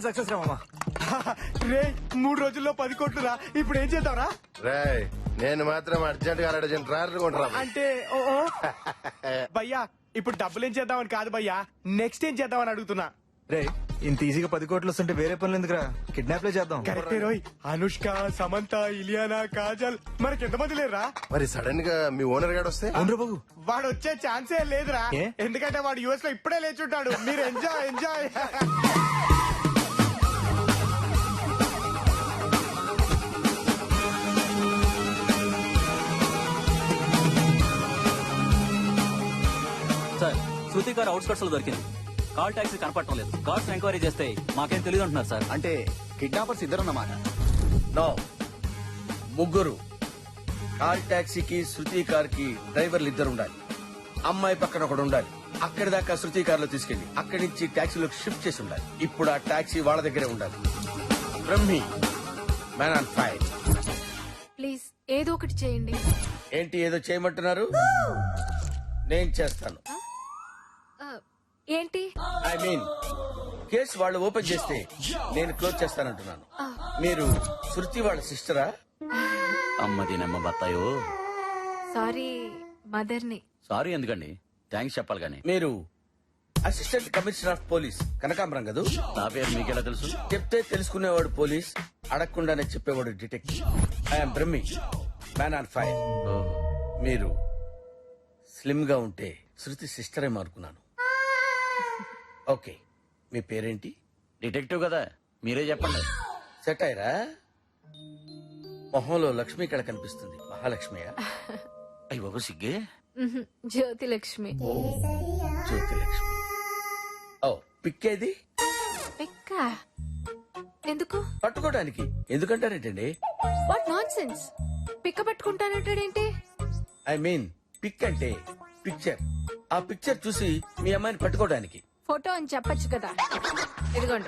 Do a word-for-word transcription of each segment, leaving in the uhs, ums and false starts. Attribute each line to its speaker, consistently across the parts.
Speaker 1: Machine success రా మామా.
Speaker 2: రే మూడు రోజుల్లో పది కోట్లు రా. ఇప్పుడు ఏం చేద్దాంరా?
Speaker 3: రేయ్ నేను మాత్రం అర్జెంట్ గా అర్జెంట్ ట్రాక్టర్ కొంటరా.
Speaker 2: అంటే ఓ ఓ. భయ్యా ఇప్పుడు డబ్బులు ఏం చేద్దామని కాదు భయ్యా, నెక్స్ట్ ఏం చేద్దామని అడుగుతున్నా.
Speaker 1: రే ఇంత ఈజీగా పది కోట్లు వస్తుంటే వేరే పనులు ఎందుకురా, కిడ్నాప్ లే చేద్దాం.
Speaker 2: కరెక్టే రోయ్. అనుష్క, సమంత, ఇలియానా, కాజల్ మనకి ఎంతమంది లేరా?
Speaker 3: మరి సడన్ గా మీ ఓనర్ గాడు వస్తే
Speaker 1: అవును బాబు.
Speaker 2: వాడు వచ్చే ఛాన్సే లేదురా.
Speaker 1: ఏ?
Speaker 2: ఎందుకంటే వాడు యుఎస్ లో ఇప్పుడే లేచుంటాడు. మీరు ఎంజాయ్ ఎంజాయ్.
Speaker 4: సార్ శృతి గారు అవుట్స్కట్స్ లో దొరికింది. కాల్ టాక్సీ కనపడటం లేదు. కార్స్ ఎంక్వైరీ చేస్తే మాకేం తెలియదు అంటున్నారు సార్.
Speaker 5: అంటే కిడ్నాపర్స్ ఇద్దరన్నమాట.
Speaker 6: నో, ముగ్గురు. కార్ టాక్సీకి శృతి కార్ కి డ్రైవర్లు ఇద్దరు ఉండాలి. అమ్మాయి పక్కన ఒకడు ఉండాలి. అక్కడి దాకా శృతి కార్ లో తీసుకెళ్లి అక్కడి నుంచి టాక్సీలోకి షిఫ్ట్ చేసి ఉండాలి. ఇప్పుడు ఆ టాక్సీ వాళ్ళ దగ్గరే ఉండాలి. Brahmi, man on fire.
Speaker 7: Please ఏదో ఒకటి చేయండి.
Speaker 6: ఏంటి ఏదో చేయమంటున్నారు? నేను చేస్తాను.
Speaker 7: ఆ, ఏంటి?
Speaker 6: ఐ మీన్ కేసు వాళ్ళు ఓపెన్ చేస్తే నేను క్లోజ్ చేస్తానంటున్నాను. మీరు శృతి వాళ్ళ సిస్టరా?
Speaker 4: అమ్మది నమ్మ బత్తాయో.
Speaker 7: సారీ మదర్ని.
Speaker 4: సారీ ఎందుకండి, థ్యాంక్స్ చెప్పాలి కానీ.
Speaker 6: మీరు అసిస్టెంట్ కమిషనర్ ఆఫ్ పోలీస్ కనకాంబరం కదా?
Speaker 4: నా పేరు మీకెలా తెలుసు?
Speaker 6: చెప్తే తెలుసుకునేవాడు పోలీస్, అడగకుండానే చెప్పేవాడు detective. I'm Brahmi, man on fire. మీరు స్లిమ్ గా ఉంటే శృతి సిస్టరే అనుకున్నాను. ఓకే, మీ పేరేంటి?
Speaker 4: డిటెక్టివ్ కదా, మీరే చెప్పండి.
Speaker 6: సెట్ అయ్యరా? మొహంలో లక్ష్మి కళ కనిపిస్తుంది. మహాలక్ష్మియా?
Speaker 4: అయ్యి బాబు సిగ్గే.
Speaker 7: మ్హూ, జ్యోతి లక్ష్మి.
Speaker 6: జ్యోతి లక్ష్మి. ఓ పిక్కేది?
Speaker 7: పిక్క ఎందుకు?
Speaker 6: పట్టుకోవడానికి. ఎందుకంటారేంటండి?
Speaker 7: What nonsense. పిక్క పట్టుకుంటానంటాడేంటి?
Speaker 6: ఐ మీన్ పిక్ అంటే పిక్చర్. ఆ పిక్చర్ చూసి మీ అమ్మాయిని పట్టుకోవడానికి.
Speaker 7: ఫోటో అని చెప్పొచ్చు కదా. ఇదిగోండి.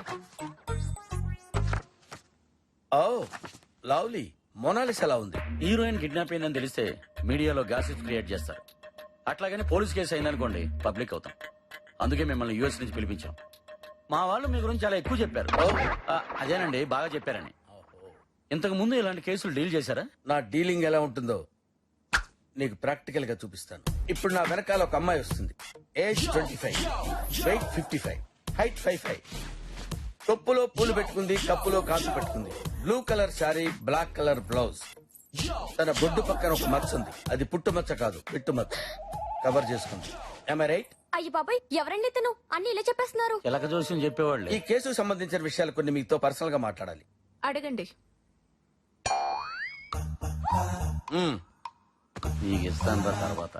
Speaker 6: Oh lovely. మొనాలిస్ ఎలా ఉంది?
Speaker 4: హీరోయిన్ కిడ్నాప్ అయిందని తెలిస్తే మీడియాలో గాసిప్ క్రియేట్ చేస్తారు. అట్లాగని పోలీస్ కేసు అయిందనుకోండి పబ్లిక్ అవుతాం. అందుకే మిమ్మల్ని యూఎస్ నుంచి పిలిపించాం. మా వాళ్ళు మీ గురించి చాలా ఎక్కువ చెప్పారు. ఆ, అదేనండి బాగా చెప్పారని. ఇంతకు ముందు ఇలాంటి కేసులు డీల్ చేశారా?
Speaker 6: నా డీలింగ్ ఎలా ఉంటుందో నీకు ప్రాక్టికల్ గా చూపిస్తాను. ఇప్పుడు నా వెనకాల ఒక అమ్మాయి వస్తుంది. Age twenty five, weight fifty five, height five five. తొప్పులో పూలు పెట్టుకుంది, కప్పులో కాసు పెట్టుకుంది. Blue colour sari, black colour blouse. తన బొడ్డు పక్కన ఒక మచ్చ ఉంది. అది పుట్టు మచ్చ కాదు, పిట్టు మచ్చ. కవర్ చేసుకుంది. Am I right?
Speaker 7: అయ్యి బాబాయ్, ఎవరండి తను? అన్ని ఇలా చెప్పేస్తున్నారు.
Speaker 4: ఎలక జోస్యం చెప్పేవాళ్ళు.
Speaker 6: ఈ కేసుకు సంబంధించిన విషయాలు కొన్ని మీతో పర్సనల్ గా మాట్లాడాలి.
Speaker 7: అడగండి.
Speaker 6: మ్మ్.
Speaker 4: నీకు ఇస్తాను రా తర్వాత.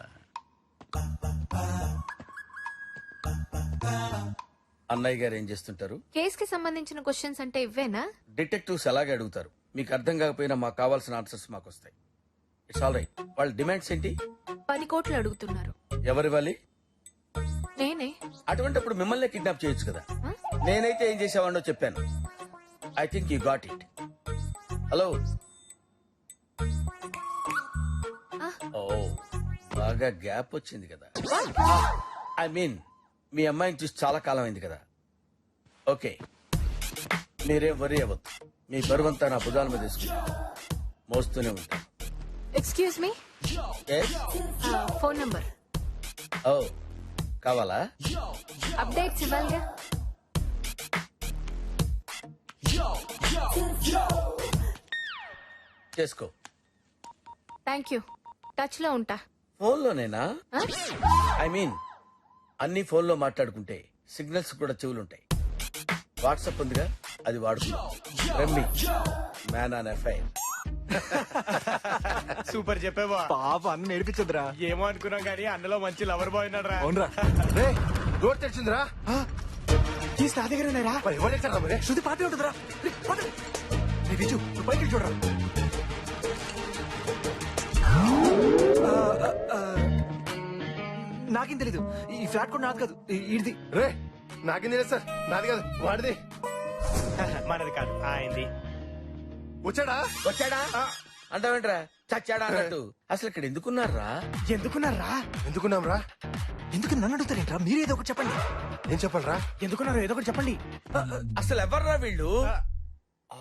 Speaker 6: అన్నయ్య గారు ఏం చేస్తుంటారు?
Speaker 7: కేస్ కి సంబంధించిన క్వశ్చన్స్ అంటే ఇవ్వేనా?
Speaker 6: డిటెక్టివ్స్ అలాగే అడుగుతారు. మీకు అర్థం కాకపోయినా మాకు కావాల్సిన ఆన్సర్స్ మాకు వస్తాయి. It's all right. వాళ్ళ డిమాండ్స్ ఏంటి?
Speaker 7: పది కోట్లు అడుగుతున్నారు.
Speaker 6: ఎవరివ్వాలి?
Speaker 7: నేనే.
Speaker 6: అటువంటిప్పుడు మిమ్మల్ని కిడ్నాప్ చేయొచ్చు కదా.
Speaker 7: Huh?
Speaker 6: నేనైతే ఏం చేసేవాడినో చెప్పాను. I think you got it. Hello. ఓ బాగా గ్యాప్ వచ్చింది కదా. ఐ మీన్ మీ అమ్మాయిని చూసి చాలా కాలం అయింది కదా. ఓకే, మీరేం వరీ అవ్వద్దు. మీ బరువంతా నా భుజాల మీద తీసుకుంటా మోస్తూనే ఉంటాను.
Speaker 7: Excuse me. Phone number.
Speaker 6: ఓ కావాలా?
Speaker 7: అప్డేట్స్ ఇవ్వాలిగా.
Speaker 6: చేసుకో.
Speaker 7: Thank you. టచ్ లో ఉంటా.
Speaker 6: ఫోన్లోనేనా?
Speaker 7: Huh?
Speaker 6: ఐ మీన్ అన్ని ఫోన్లో మాట్లాడుకుంటే సిగ్నల్స్ కూడా చెవులుంటాయి. వాట్సాప్ ఉందిగా, అది వాడుకుందాం. Brahmi, man on FIR.
Speaker 2: Super చెప్పేవా.
Speaker 1: పాప అన్న నేర్పించదురా.
Speaker 2: ఏమో అనుకున్నాం కానీ అన్నలో మంచి లవర్ బాయ్ ఉన్నాడు రా.
Speaker 1: అవునరా.
Speaker 3: రే డోర్ తెరిచిందిరా.
Speaker 2: తీసి నా దగ్గర ఉన్నారా?
Speaker 3: మరి ఎవరు తెచ్చారా మరి?
Speaker 1: శృతి పాటే ఉంటుందిరా. రే, పద. రే, బిజు, నువ్వు పైకి చూడరా. ఆ, ఆ, ఆ, నాకేం తెలీదు. ఈ ఫ్లాట్ కూడా నాది కాదు, ఇది.
Speaker 3: రే నాకేం తెలియదు సార్. నాది కాదు, వాడిది.
Speaker 2: మనది కాదు, ఆయనది.
Speaker 3: వచ్చాడా?
Speaker 6: వచ్చాడా అంటావేంట్రా? చచ్చాడా అన్నట్టు. అసలు ఇక్కడ ఎందుకున్నారా?
Speaker 2: ఎందుకున్నారా?
Speaker 3: ఎందుకున్నాం రా?
Speaker 1: ఎందుకు నన్ను అడుగుతారేంట్రా? మీరేదో ఒకటి చెప్పండి.
Speaker 3: ఏం చెప్పాలరా?
Speaker 2: ఎందుకున్నారు ఏదో ఒకటి చెప్పండి.
Speaker 6: అసలు ఎవర్రా వీళ్ళు? ఆ,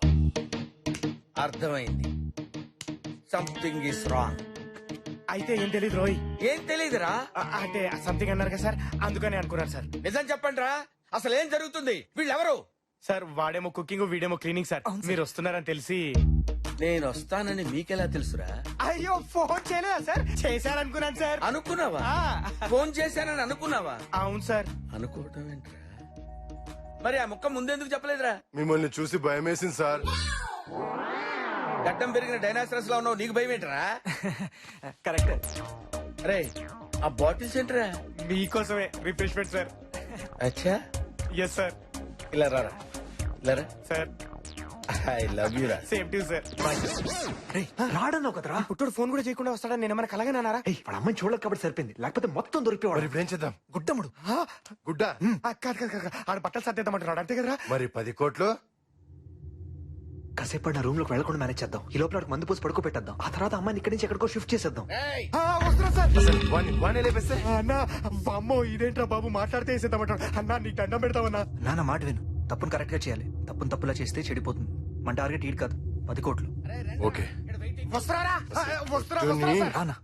Speaker 6: అర్థమైంది. Something is wrong.
Speaker 2: అయితే ఏం తెలియదు రోయ్.
Speaker 6: ఏం తెలీదురా?
Speaker 2: ఆ, అంటే సంథింగ్ అన్నారు కదా సార్, అందుకని అనుకున్నారు సార్.
Speaker 6: నిజం చెప్పండి రా, అసలు ఏం జరుగుతుంది? వీళ్ళెవరు?
Speaker 2: సార్ వాడేమో కుకింగ్ వీడేమో క్లీనింగ్ సార్. మీరు వస్తున్నారని తెలిసి.
Speaker 6: నేను వస్తానని మీకెలా తెలుసురా?
Speaker 2: అయ్యో ఫోన్ చేయలేదా సార్? చేశారనుకున్నాను సార్.
Speaker 6: అనుకున్నావా?
Speaker 2: ఆ,
Speaker 6: ఫోన్ చేశానని అనుకున్నావా?
Speaker 2: అవును సార్.
Speaker 6: అనుకోవటం ఏంట్రా? మరి ఆ ముక్క ముందెందుకు చెప్పలేదురా?
Speaker 3: మిమ్మల్ని చూసి భయం వేసింది సార్.
Speaker 6: గడ్డం పెరిగిన డైనాసరస్ లో ఉన్నావు, నీకు భయం ఏంట్రా?
Speaker 1: కరెక్ట్.
Speaker 6: అరే ఆ బాటిల్స్ ఏంట్రా?
Speaker 2: మీకోసమే రిఫ్రెష్మెంట్ సార్.
Speaker 6: అచ్చా,
Speaker 2: ఎస్ సార్.
Speaker 6: ఇలా రారా, ఇలా రా.
Speaker 2: సార్
Speaker 6: ఐ లవ్ యూ రా.
Speaker 2: Same to sir.
Speaker 1: రాడన్నావు కదరా.
Speaker 2: పుట్టుడు ఫోన్ కూడా చేయకుండా వస్తాడని నేను మనకు అలాగే నారా?
Speaker 1: ఏయ్, వాడు అమ్మాయిని చూడలేదు కాబట్టి సరిపోయింది, లేకపోతే మొత్తం
Speaker 3: మరి
Speaker 1: దొరికిపోవాడు.
Speaker 3: ఇప్పుడు ఏం చేద్దాం?
Speaker 1: గుడ్డముడు.
Speaker 3: గుడ్డ
Speaker 2: కాదు కాదు కాదు, ఆడ బట్టలు సర్దేద్దామంటున్నాడు అంతే కదరా?
Speaker 3: మరి పది కోట్లు
Speaker 1: కాసేపు నా రూమ్ లోకి వెళ్ళకుండా మేనేజ్ చేద్దాం. ఈ లోపల వాడికి మందు పోసి పడుకో పెట్టేద్దాం. ఆ తర్వాత అమ్మాయిని ఇక్కడి నుంచి ఎక్కడికో షిఫ్ట్ చేసేద్దాం.
Speaker 6: ఏయ్,
Speaker 2: ఆ, వస్తున్నా సార్.
Speaker 3: అసలు వాణ్ణి వాణ్ణి లేపేస్తే
Speaker 2: అన్న అమ్మో ఇదేంట్రా బాబు మాట్లాడితే వేసేద్దామంటాడు. అన్న నీకు దండం పెడతామన్నా.
Speaker 1: నాన్న మాట విను, తప్పును కరెక్ట్ గా చేయాలి. తప్పును తప్పులా చేస్తే చెడిపోతుంది. మన టార్గెట్ ఈడు కాదు, పది కోట్లు.
Speaker 3: ఓకే.
Speaker 2: వస్తున్నారా? ఆ, వస్తున్నా
Speaker 3: జూని.
Speaker 2: వస్తున్నా సార్.
Speaker 1: రానా?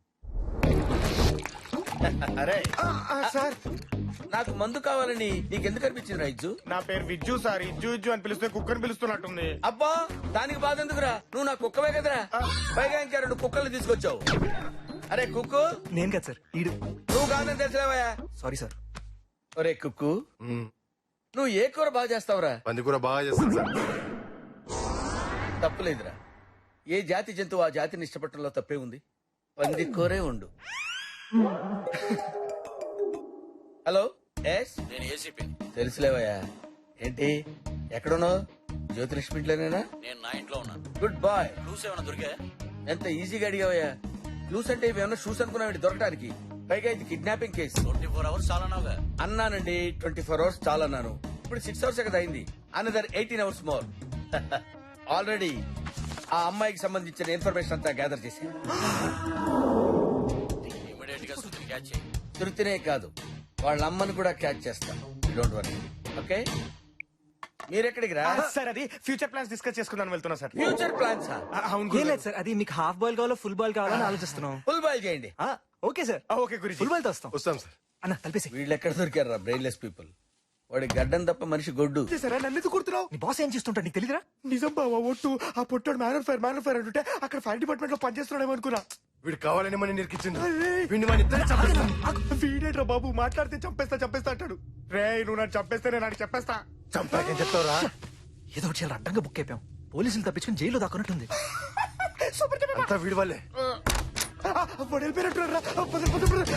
Speaker 6: అరే
Speaker 2: ఆ, ఆ, సార్
Speaker 6: నాకు మందు కావాలని నీకెందుకు అనిపించింది రా ఇజ్జు?
Speaker 2: నా పేరు విజ్జు సార్. ఇజ్జు ఇజ్జు అని పిలిస్తే కుక్కని పిలుస్తున్నట్టుంది.
Speaker 6: అబ్బా దానికి బాధ ఎందుకురా? నువ్వు నా కుక్కవే కదరా. పైగా ఇంకా రెండు కుక్కలు తీసుకొచ్చావు. అరే కుక్కు,
Speaker 1: నేను కాదు సార్, ఈడు.
Speaker 6: నువ్వు కాదని తెలిసిలేవయా?
Speaker 1: Sorry sir.
Speaker 6: ఒరే కుక్కు,
Speaker 3: మ్మ్.
Speaker 6: నువ్వు ఏ కూర బాగా చేస్తావురా?
Speaker 3: పందికూర బాగా చేస్తాను సార్.
Speaker 6: తప్పులేదురా. ఏ జాతి జంతువు ఆ జాతిని ఇష్టపడటంలో తప్పే ఉంది. పంది కూరే ఉండు. హలో, ఎస్
Speaker 4: నేను ఏసీపీ.
Speaker 6: తెలుసులేవయ్యా. ఏంటి ఎక్కడున్నావు? జ్యోతిలక్ష్మి ఇంట్లోనేనా?
Speaker 4: నేను నా ఇంట్లో ఉన్నాను.
Speaker 6: Good bye.
Speaker 4: క్లూస్ ఏమైనా దొరికా?
Speaker 6: ఎంత ఈజీగా అడిగావయ్యా. క్లూస్ అంటే ఇవేమన్నా షూస్ అనుకున్నావు దొరకడానికి? పైగా ఇది kidnapping case.
Speaker 4: Twenty four hours చాలా నావుగా.
Speaker 6: అన్నానండి, ట్వంటీ ఫోర్ అవర్స్ చాలా అన్నాను. ఇప్పుడు సిక్స్ అవర్స్ కదా అయింది. Another eighteen hours more. Already ఆ అమ్మాయికి సంబంధించిన ఇన్ఫర్మేషన్ అంతా గ్యాదర్ చేసి
Speaker 4: ఇమీడియట్ గా సుతిని క్యాచ్ చేయి.
Speaker 6: తృప్తినే కాదు, వాళ్ళ అమ్మని కూడా క్యాచ్ చేస్తాం. Don't worry. ఓకే, మీరెక్కడికి రా?
Speaker 2: ఆ, సార్ అది ఫ్యూచర్ ప్లాన్స్ డిస్కస్ చేసుకుందాం వెళ్తున్నా సార్.
Speaker 6: Future plans.
Speaker 2: ఆ, అవును
Speaker 1: ఏం
Speaker 2: గురుగారు.
Speaker 1: లేదు సార్, అది మీకు హాఫ్ బాల్ కావాలో ఫుల్ బాల్ కావాలని ఆలోచిస్తున్నాం.
Speaker 6: ఫుల్ బాయ్ చేయండి.
Speaker 1: ఆ, ఓకే సార్,
Speaker 2: ఆ, ఓకే గురించి.
Speaker 1: ఫుల్ బాల్ తో వస్తాం.
Speaker 3: వస్తాం సార్.
Speaker 1: అన్న కలిపేసి.
Speaker 6: వీళ్ళు ఎక్కడ దొరికారా బ్రెయిన్లెస్ పీపుల్? వాడి గడ్డం తప్ప మనిషి గొడ్డు.
Speaker 2: సరే నన్ను ఎందుకు కుడుతున్నావు?
Speaker 1: నీ బాస్ ఏం చేస్తుంటాడు నీకు తెలియదురా?
Speaker 2: నిజం బావా ఒట్టు. ఆ పొట్టాడు మ్యాన్ ఫైర్ మ్యాన్ ఫైర్ అంటుంటే అక్కడ ఫైర్ డిపార్ట్మెంట్ లో పనిచేస్తున్నాడేమో అనుకున్నా.
Speaker 3: వీడు కావాలని మనం నిరికించిండు.
Speaker 2: అరే.
Speaker 3: వీడిని మన ఇద్దరు చంపేస్తాం.
Speaker 2: వీడేట్రా బాబు మాట్లాడితే చంపేస్తా చంపేస్తా అంటాడు. రే నువ్వు నన్ను చంపేస్తే నేను నాకు చెప్పేస్తా.
Speaker 3: చంపాకేం చెప్తావురా?
Speaker 1: ఏదో ఒకటి చాలా అడ్డంగా బుక్ అయిపోయాం. పోలీసులు తప్పించుకుని జైల్లో దాక్కున్నట్టుంది.
Speaker 2: సూపర్ చెప్పేస్తా.
Speaker 3: అంతా వీడి వాళ్ళే.
Speaker 2: వాడు వెళ్ళిపోయినట్టున్నాడు రా. పద, పద, పద.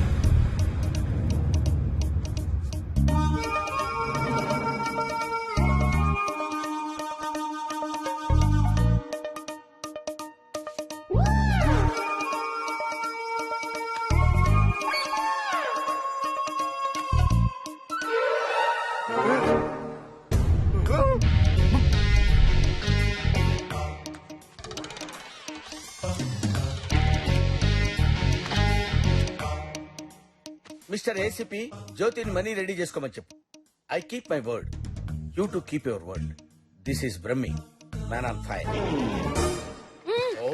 Speaker 6: మిస్టర్ ఏసీపీ, జ్యోతిని మనీ రెడీ చేసుకోమని చెప్పు. I keep my word, you to keep your word. This is Brahmi, man on fire. Oh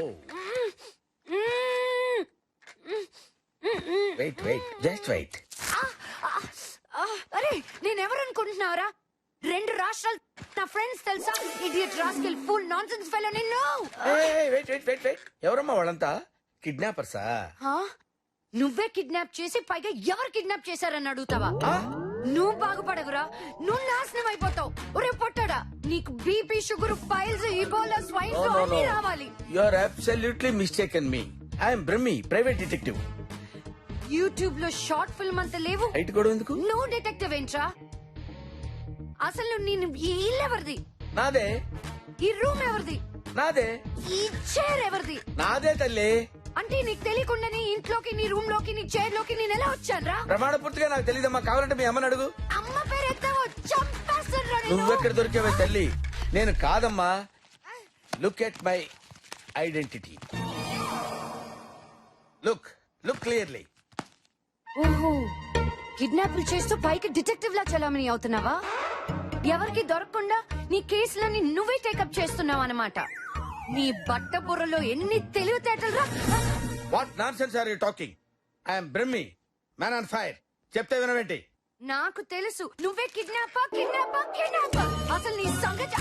Speaker 6: wait wait just wait.
Speaker 7: ఆ, అరే నేనెవరు అనుకుంటున్నావురా? రెండు రాష్ట్రాలు నా ఫ్రెండ్స్ తెలుసా? Idiot rascal full nonsense fellow నిన్ను.
Speaker 6: వెయిట్ వెయిట్ వెయిట్ వెయిట్ ఎవరమ్మా వాళ్ళంతా? కిడ్నాపర్సా?
Speaker 7: ఆ? నువ్వే కిడ్నాప్ చేసి పైగా ఎవరు కిడ్నాప్ చేశారని అడుగుతావా? నువ్వు బాగుపడవురా, నువ్వు నాశనం అయిపోతావు. ఒరే పొట్టాడా, నీకు BP sugar piles Ebola swine flu అన్ని రావాలి.
Speaker 6: You are absolutely mistaken me. I'm Brahmi, private detective.
Speaker 7: YouTube లో షార్ట్ ఫిల్మ్ అంత లేవు.
Speaker 6: హైట్ కూడా ఎందుకు?
Speaker 7: నువ్వు డిటెక్టివ్ ఏంట్రా? అసలు నేను ఈ ఇల్లు ఎవరిది?
Speaker 6: నాదే.
Speaker 7: ఈ రూమ్ ఎవరిది?
Speaker 6: నాదే.
Speaker 7: ఈ చైర్ ఎవరిది?
Speaker 6: నాదే తల్లి.
Speaker 7: అంటే నీకు తెలియకుండానే ఇంట్లోకి నీ రూమ్ లోకి నీ చైర్ లోకి నేను ఎలా వచ్చాను రా?
Speaker 6: ప్రమాణ పూర్తిగా నాకు తెలియదమ్మా. కావాలంటే మీ అమ్మని అడుగు.
Speaker 7: అమ్మ పేరు ఎత్తావో చంపేస్తాను.
Speaker 6: నువ్వెక్కడ దొరికావే తల్లి? నేను కాదమ్మా. Look at my identity. Look look clearly.
Speaker 7: ఓహో కిడ్నాపులు చేస్తూ పైకి డిటెక్టివ్ లా చలామణి అవుతున్నావా? ఎవరికి దొరకకుండా నీ కేసులన్నీ నువ్వే టేకప్ చేస్తున్నావు అన్నమాట. నీ బట్ట బుర్రలో ఎన్ని తెలివితేటలు రా.
Speaker 6: What nonsense are you talking? I'm Brahmi, man on fire. చెప్తే వినవేంటి?
Speaker 7: నాకు తెలుసు నువ్వే కిడ్నాపా కిడ్నాపా కిడ్నాపా. అసలు నీ సంగతి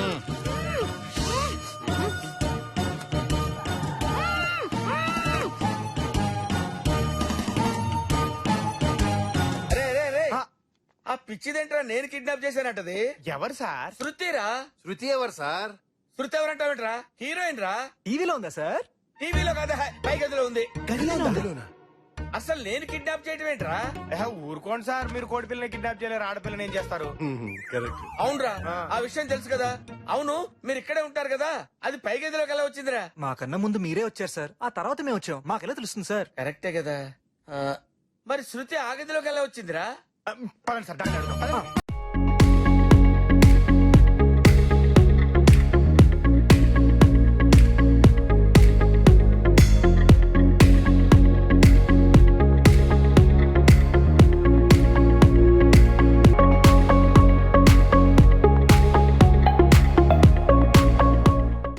Speaker 6: రే రే రే, ఆ పిచ్చిదేంట్రా నేను కిడ్నాప్ చేశానంటది?
Speaker 2: ఎవరు సార్?
Speaker 6: శృతిరా.
Speaker 3: శృతి ఎవరు సార్?
Speaker 6: శృతి ఎవరంటావేంట్రా? హీరోయిన్ రా.
Speaker 1: టీవీలో ఉందా సార్?
Speaker 6: టీవీలో కాదా, పై గదిలో ఉంది.
Speaker 1: గదిలో
Speaker 6: అసలు నేను కిడ్నాప్ చేయటం ఏంట్రా?
Speaker 2: ఏహ, ఊరుకోండి సార్, మీరు కోడి పిల్లని కిడ్నాప్ చేయలేరు, ఆడపిల్లని ఏం చేస్తారు?
Speaker 3: కరెక్ట్.
Speaker 6: అవునరా,
Speaker 2: ఆ.
Speaker 6: ఆ విషయం తెలుసు కదా. అవును, మీరు ఇక్కడే ఉంటారు కదా, అది పై గదిలోకి ఎలా వచ్చిందిరా?
Speaker 1: మాకన్నా ముందు మీరే వచ్చారు సార్, ఆ తర్వాత మేము వచ్చాం. మాకెలా తెలుస్తుంది సార్?
Speaker 6: కరెక్టే కదా. ఆ, మరి శృతి ఆ గదిలోకి ఎలా వచ్చిందిరా?
Speaker 2: పదండి సార్, డాక్టర్ అడుగుదాం. పదండి.